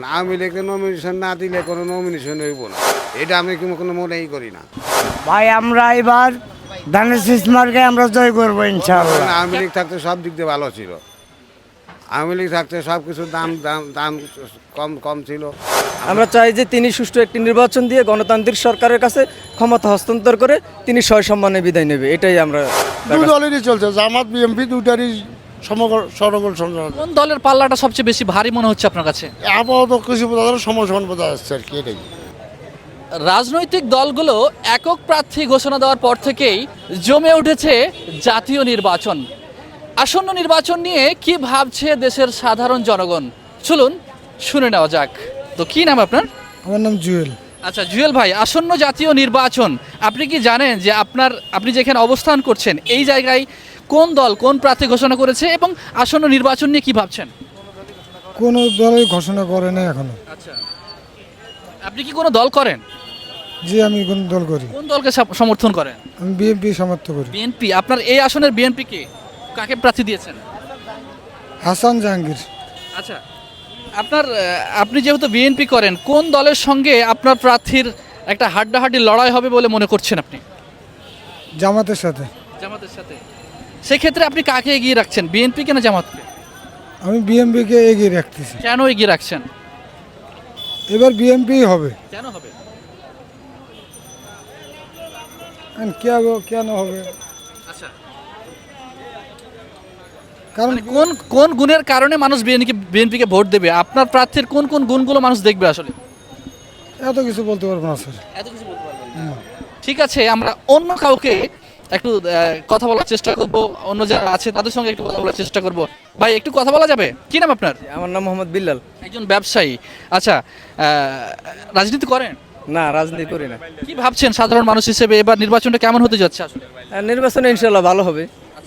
আওয়ামী লীগকে নমিনেশন না দিলে কোনো নমিনেশন হইব না, এটা আমি কোনো মনেই করি না। ভাই আমরা এবার ধানের শীষ মার্কে আমরা জয় করবো ইনশাআল্লাহ। আওয়ামী লীগ থাকতে সব দিক দিয়ে ভালো ছিল, আওয়ামী লীগ থাকতে সব কিছুর দাম দাম দাম কম কম ছিল। আমরা চাই যে তিনি সুষ্ঠু একটি নির্বাচন দিয়ে গণতান্ত্রিক সরকারের কাছে ক্ষমতা হস্তান্তর করে তিনি সসম্মানে বিদায় নেবে, এটাই আমরা দু দলেরই চলছে, জামাত বিএনপি দুটারই সরগোল সংগ্রাম। কোন দলের পাল্লাটা সবচেয়ে বেশি ভারী মনে হচ্ছে আপনার কাছে? আপাতত কিছু বোঝা যাচ্ছে, সময় সমান বোঝা যাচ্ছে আর কি, এটাই। রাজনৈতিক দলগুলো একক প্রার্থী ঘোষণা দেওয়ার পর থেকেই জমে উঠেছে জাতীয় নির্বাচন। আসন্ন নির্বাচন নিয়ে কি ভাবছে দেশের সাধারণ জনগণ, চলুন শুনে নেওয়া যাক। তো কি নাম আপনার? আমার নাম জুয়েল। আচ্ছা জুয়েল ভাই, আসন্ন জাতীয় নির্বাচন আপনি কি জানেন যে আপনি যেখানে অবস্থান করছেন এই জায়গায় কোন দল কোন প্রার্থী ঘোষণা করেছে এবং আসন্ন নির্বাচন নিয়ে কি ভাবছেন? কোনো দলই ঘোষণা করে না এখনো। আচ্ছা, আপনি কি কোনো দল করেন? জি, আমি কোন দল করি? কোন দলকে সমর্থন করেন? আমি বিএনপি সমর্থন করি। বিএনপি। আপনার এই আসনের বিএনপি কে, কাকে প্রার্থী দিয়েছেন? হাসান জাহাঙ্গীর। আচ্ছা, আপনি যেহেতু বিএনপি করেন, কোন দলের সঙ্গে আপনার প্রার্থীর একটা হাড্ডাহাড্ডি লড়াই হবে বলে মনে করছেন আপনি? জামাতের সাথে। জামাতের সাথে। সেক্ষেত্রে আপনি কাকে এগিয়ে রাখছেন, বিএনপি কে না জামাতকে? আমি বিএনপিকে এগিয়ে রাখতেছি। কেন এগিয়ে রাখছেন? এবার বিএনপি হবে। কেন হবে? কেন হবে? আচ্ছা, কারণ মানে কোন কোন গুণের কারণে মানুষ বিএনপিকে ভোট দেবে? আপনার প্রার্থীর কোন কোন গুণগুলো মানুষ দেখবে আসলে? এত কিছু বলতে পারবো না স্যার। এত কিছু বলতে পারবেন না। ঠিক আছে, আমরা অন্য কাউকে একটু কথা বলার চেষ্টা করব, অন্য যারা আছে তাদের সঙ্গে একটু কথা বলার চেষ্টা করব। ভাই একটু কথা বলা যাবে? কি নাম আপনার? আমার নাম মোহাম্মদ বিল্লাল। একজন ব্যবসায়ী। আচ্ছা, রাজনীতি করেন? না, রাজনীতি করি না। কি ভাবছেন সাধারণ মানুষ হিসেবে এবার নির্বাচনটা কেমন হতে যাচ্ছে আসলে? নির্বাচনে ইনশাল্লাহ ভালো হবে।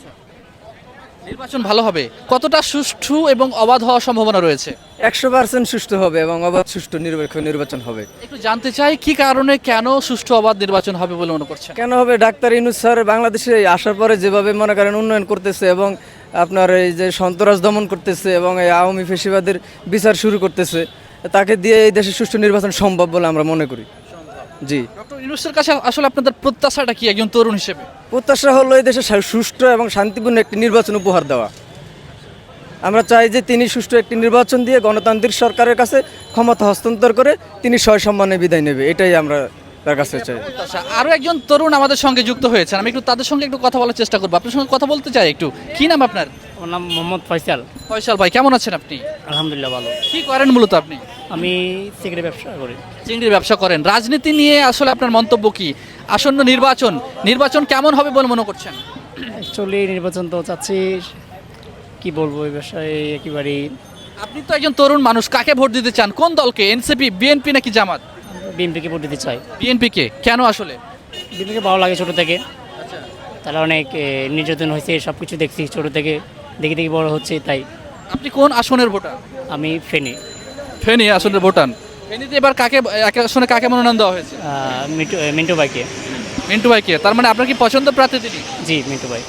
নির্বাচন ভালো হবে, কতটা সুষ্ঠু এবং অবাধ হওয়ার সম্ভাবনা রয়েছে? 100% সুষ্ঠু হবে এবং অবাধ সুষ্ঠু নির্বাচন হবে। একটু জানতে চাই কি কারণে, কেন সুষ্ঠু অবাধ নির্বাচন হবে বলে মনে করছেন? কেন হবে? ডাক্তার ইউনূস স্যার বাংলাদেশে আসার পরে যেভাবে মনে করেন উন্নয়ন করতেছে এবং আপনার এই যে সন্ত্রাস দমন করতেছে এবং এই আওয়ামী ফ্যাসিবাদের বিচার শুরু করতেছে, তাকে দিয়ে এই দেশে সুষ্ঠু নির্বাচন সম্ভব বলে আমরা মনে করি। জি। ডক্টর ইউনূসের কাছে আসলে আপনাদের প্রত্যাশাটা কি একজন তরুণ হিসেবে? প্রত্যাশা হলো এই দেশে সুষ্ঠু এবং শান্তিপূর্ণ একটি নির্বাচন উপহার দেওয়া। আমরা চাই যে তিনি সুষ্ঠু একটি নির্বাচন দিয়ে গণতান্ত্রিক সরকারের কাছে ক্ষমতা হস্তান্তর করে তিনি সসম্মানে বিদায় নেবে, এটাই আমরা তার কাছে চাই। আচ্ছা, আরো একজন তরুণ আমাদের সঙ্গে যুক্ত হয়েছেন, আমি একটু তাদের সঙ্গে একটু কথা বলার চেষ্টা করবো। আপনার সঙ্গে কথা বলতে চাই একটু। কি নাম আপনার? আমার নাম মোহাম্মদ ফয়সাল। ফয়সাল ভাই, কেমন আছেন আপনি? আলহামদুলিল্লাহ ভালো। কি করেন মূলত আপনি? আমি সিগারেট ব্যবসা করি। চিংড়ির ব্যবসা করেন। রাজনীতি নিয়ে আসলে আপনার মন্তব্য কি? আসন্ন নির্বাচন কেমন হবে বলে মনে করছেন? অ্যাকচুয়ালি নির্বাচন তো চাচ্ছি, কি বলবো, এই বিষয়ে একেবারেই। আপনি তো একজন তরুণ মানুষ, কাকে ভোট দিতে চান? কোন দলকে? এনসিপি, বিএনপি নাকি জামাত? বিএনপিকে ভোট দিতে চাই। বিএনপি কে, কেন আসলে? বিএনপিকে ভালো লাগে ছোটো থেকে, তারা অনেক নির্যাতন হয়েছে, সব কিছু দেখছি ছোটো থেকে, দেখে দেখে বড় হচ্ছে, তাই। আপনি কোন আসনের ভোটার? আমি ফেনী। ফেনী আসনের ভোটার। ফেনীতে এবার এক আসনে কাকে মনোনয়ন দেওয়া হয়েছে? মিন্টু ভাইকে। মিন্টু ভাইকে। তার মানে আপনার কি পছন্দ প্রার্থী তিনি? জি, মিন্টু ভাই।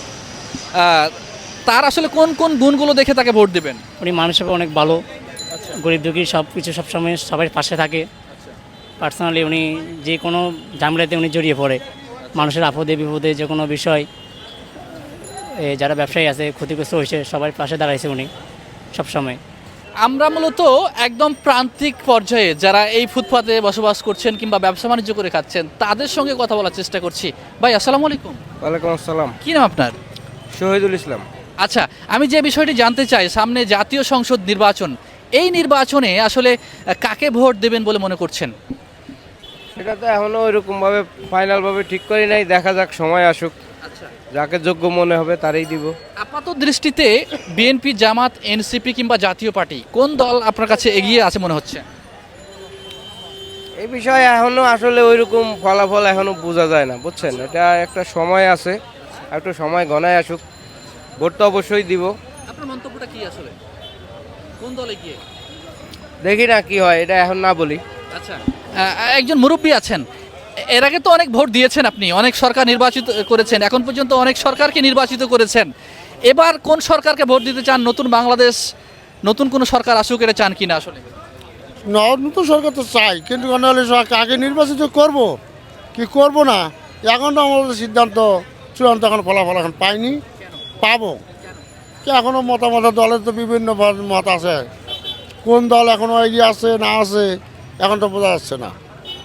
তার আসলে কোন কোন গুণগুলো দেখে তাকে ভোট দিবেন? উনি মানুষের অনেক ভালো, গরিব দুঃখী সব কিছু সবসময় সবাই পাশে থাকে। পার্সোনালি উনি যে কোনো ঝামেলাতে উনি জড়িয়ে পড়ে, মানুষের আপদে বিপদে যে কোনো বিষয়, যারা ব্যবসায়ী আছে ক্ষতিগ্রস্ত হয়েছে সবার পাশে দাঁড়াইছে উনি সবসময়। আমরা মূলত একদম প্রান্তিক পর্যায়ে যারা এই ফুটপাতে বসবাস করছেন কিংবা ব্যবসা বাণিজ্য করে খাচ্ছেন তাদের সঙ্গে কথা বলার চেষ্টা করছি। ভাই আসসালামু আলাইকুম। ওয়ালাইকুম আসসালাম। কি নাম আপনার? শহীদুল ইসলাম। আচ্ছা, আমি যে বিষয়টি জানতে চাই, সামনে জাতীয় সংসদ নির্বাচন, এই নির্বাচনে আসলে কাকে ভোট দেবেন বলে মনে করছেন? সেটা তো এখনো ওইরকমভাবে ফাইনালভাবে ঠিক করি নাই, দেখা যাক, সময় আসুক, আচ্ছা, যাকে যোগ্য মনে হবে তারই দিব। আপাত দৃষ্টিতে বিএনপি, জামাত, এনসিপি কিংবা জাতীয় পার্টি কোন দল আপনার কাছে এগিয়ে আছে মনে হচ্ছে? এই বিষয়ে এখনো আসলে ওইরকম ফলাফল এখনো বোঝা যায় না, বুঝছেন। এটা একটা সময় আছে, একটু সময় গণায় আসুক, ভোট তো অবশ্যই দিব। আপনার মন্তব্যটা কি আসলে, কোন দল এগিয়ে? দেখি না কি হয়, এটা এখন না বলি। আচ্ছা, একজন মুরব্বী আছেন, এর আগে তো অনেক ভোট দিয়েছেন আপনি, অনেক সরকার নির্বাচিত করেছেন, এখন পর্যন্ত অনেক সরকারকে নির্বাচিত করেছেন। এবার কোন সরকারকে ভোট দিতে চান? নতুন বাংলাদেশ, নতুন কোনো সরকার আসুক, এটা চান কিনা আসলে? নতুন সরকার তো চাই, কিন্তু কাকে নির্বাচিত করব কি করব না, এখন তো আমাদের সিদ্ধান্ত চূড়ান্ত এখন ফলাফল এখন পাইনি, পাবো কি এখনও মতামত দলের তো বিভিন্ন মত আছে, কোন দল এখনও এগিয়ে আছে না আছে এখন তো বোঝা যাচ্ছে না,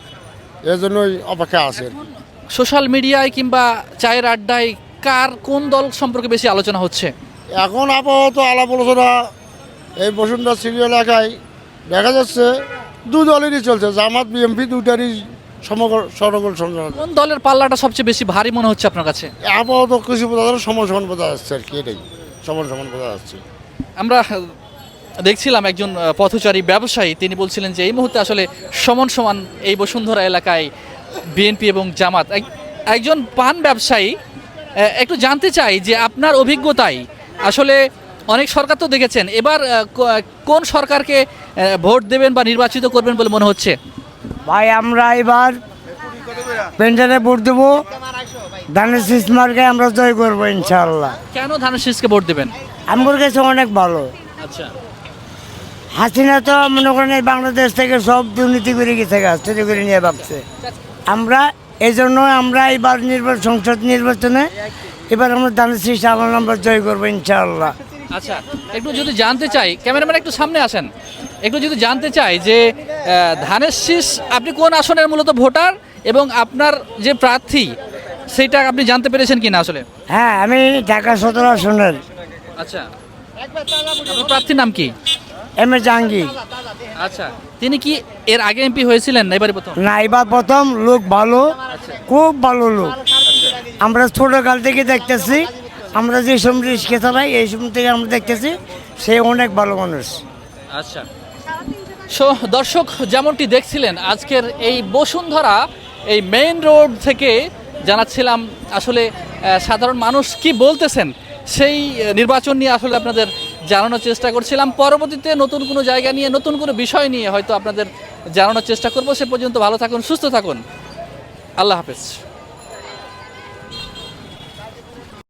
এই জন্যই অপেক্ষা আছে। সোশ্যাল মিডিয়ায় কিংবা চায়ের আড্ডায় কার কোন দল সম্পর্কে বেশি আলোচনা হচ্ছে? এখন আপাতত আলাপ আলোচনা এই বসুন্ধরা সিটি এলাকায় দেখা যাচ্ছে দু দলেরই চলছে, জামাত বিএনপি দুটারই সরগোল সংগ্রাম। কোন দলের পাল্লাটা সবচেয়ে বেশি ভারী মনে হচ্ছে আপনার কাছে? আপাতত কৃষি বোঝা সমান সমান বোঝা যাচ্ছে আর কি, এটাই সমান সমান বোঝা যাচ্ছে। আমরা দেখছিলাম একজন পথচারী ব্যবসায়ী, তিনি বলছিলেন যে এই মুহূর্তে আসলে সমান সমান এই বসুন্ধরা এলাকায় বিএনপি এবং জামাত। একজন পান ব্যবসায়ী, একটু জানতে চাই যে আপনার অভিজ্ঞতায় আসলে অনেক সরকার তো দেখেছেন, এবার কোন সরকারকে ভোট দেবেন বা নির্বাচিত করবেন বলে মনে হচ্ছে? ভাই আমরা এবার পেনশনে ভোট দেবো, ধানের শীষ মার্কায় আমরা জয় করবো ইনশাআল্লাহ। কেন ধানের শীষকে ভোট দেবেন? আমার কাছে অনেক ভালো। আচ্ছা, হাসিনা তো মনে করেন এই বাংলাদেশ থেকে সব দুর্নীতি করে গেছে, চুরি করে নিয়ে ভাবছে। আমরা এই জন্য আমরা এবার সংসদ নির্বাচনে এবার আমরা ধানের শীষ আল্লাহ আমরা জয় করবো ইনশাআল্লাহ। আচ্ছা, একটু যদি জানতে চাই, ক্যামেরাম্যান একটু সামনে আসেন, একটু যদি জানতে চাই যে ধানের শীষ আপনি কোন আসনের মূলত ভোটার এবং আপনার যে প্রার্থী সেটা আপনি জানতে পেরেছেন কিনা আসলে? হ্যাঁ, আমি ঢাকা 17 আসনের। আচ্ছা, আপনার প্রার্থীর নাম কি? M A Jahangir. আচ্ছা, তিনি কি এর আগে এমপি হয়েছিলেন না এবারে প্রথম? না, এবার প্রথম। লোক ভালো, খুব ভালো লোক। আমরা ছোটকাল থেকে দেখতেছি, আমরা যে সময় রিক্সা চালাই এই সময় থেকে আমরা দেখতেছি সে অনেক ভালো মানুষ। আচ্ছা, সো দর্শক যেমনটি দেখছিলেন আজকের এই বসুন্ধরা এই মেইন রোড থেকে জানাচ্ছিলাম আসলে সাধারণ মানুষ কি বলতেছেন সেই নির্বাচন নিয়ে আসলে আপনাদের জানানোর চেষ্টা করছিলাম। পরবর্তীতে নতুন কোনো জায়গা নিয়ে নতুন কোনো বিষয় নিয়ে হয়তো আপনাদের জানানোর চেষ্টা করব। সে পর্যন্ত ভালো থাকুন, সুস্থ থাকুন, আল্লাহ হাফেজ।